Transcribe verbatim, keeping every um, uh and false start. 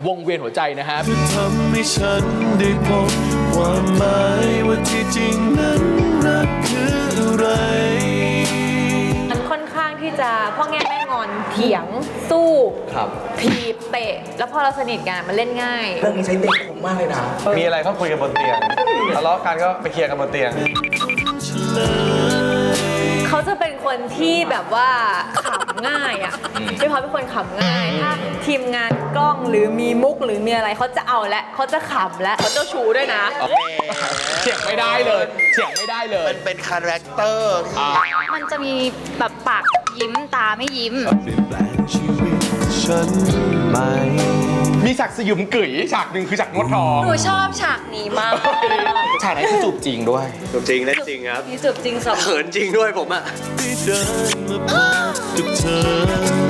วงเวียนหัวใจนะฮะทำให้ฉันได้พบความหมายว่าที่จริงนั้นรักคืออะไรมันค่อนข้างที่จะพ่อแง่แม่งอนเถียงสู้ครับถีบเตะแล้วพอเราสนิทกันมันเล่นง่ายเรื่องนี้ใช้เด็กผมมากเลยนะมีอะไรก็คุยกันบนเตียงทะเลาะกันก็ไปเคลียร์กันบนเตียงเขาจะเป็นคนที่แบบว่าขำง่ายอ่ะพี่พอเป็นคนขำง่ายถ้าทีมงานกล้องหรือมีมุกหรือมีอะไรเขาจะเอาและเขาจะขำและเขาเจ้าชู้ด้วยนะเถียงไม่ได้เลยเถียงไม่ได้เลยมันเป็นคาแรคเตอร์มันจะมีแบบปากยิ้มตาไม่ยิ้มเปลี่ยนแปลงชีวิตฉันไหมมีฉากสยุมกึ๋ยฉากหนึ่งคือฉากนวดทองหนูชอบฉากนี้มากฉากไหนคือจูบจริงด้วยจูบจริงเล่นจริงครับมีจูบจริงสองเขินจริงด้วยผมอะได้เดินมาพบกับเธอ